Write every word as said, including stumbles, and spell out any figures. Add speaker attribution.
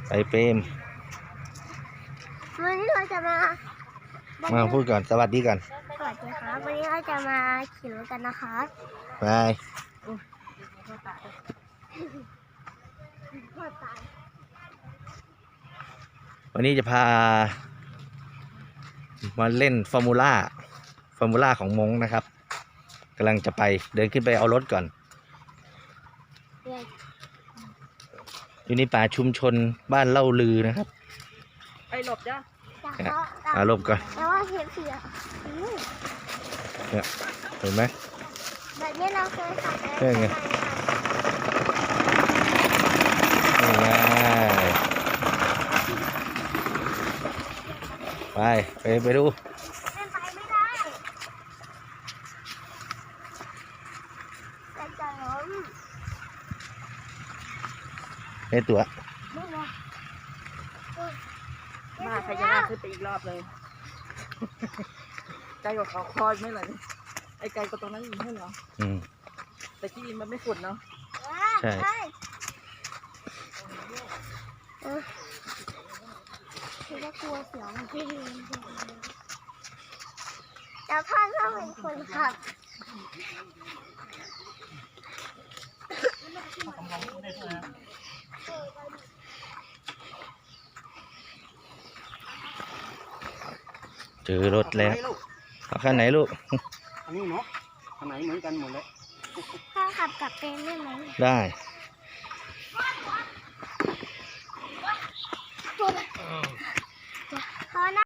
Speaker 1: ไปเปรม
Speaker 2: วันนี้เราจะมา
Speaker 1: มาพูดก่อนสวัสดีก่อน
Speaker 2: สวัสดีครับวันนี้เราจะมาขี่รถกันนะคะ
Speaker 1: ไปวันนี้จะพามาเล่นฟอร์มูล่าฟอร์มูล่าของมงนะครับกำลังจะไปเดินขึ้นไปเอารถก่อนอยู่ในป่าชุมชนบ้านเล่าลือนะครับ
Speaker 3: ไอ้หลบจ้ะ
Speaker 1: อารมณ์ก่อน
Speaker 2: แต่ว่าเห็นเสีย
Speaker 1: เนี่ยเห็นไหม
Speaker 2: แบบนี้เราเคยขับ
Speaker 1: ได้ไงไปไปไปดู
Speaker 2: ไปไม่ได้แต่จะล้ม
Speaker 1: ไอ้ตัว
Speaker 3: มาใครจะน่าขึ้นไปอีกรอบเลยไกลกว่าเขาคอยไม่เลยไอ้ไกลกว่าตรงนั้นอีกไม่เหรอ
Speaker 1: อืม
Speaker 3: แต่ที่ดินมันไม่ฝุ่นเนาะ
Speaker 1: ใช่
Speaker 2: คือว่ากลัวเสียวที่ดินแล้วพ่อต้องเป็นคนขับ
Speaker 1: เจอรถแล้วเอาคันไหนลูก
Speaker 4: อันนี้เนาะคันไหนเหมือนกันหมดเลย
Speaker 2: พ่อขับกลับเป็นได้ไหม
Speaker 1: ได้
Speaker 2: พ่อนะ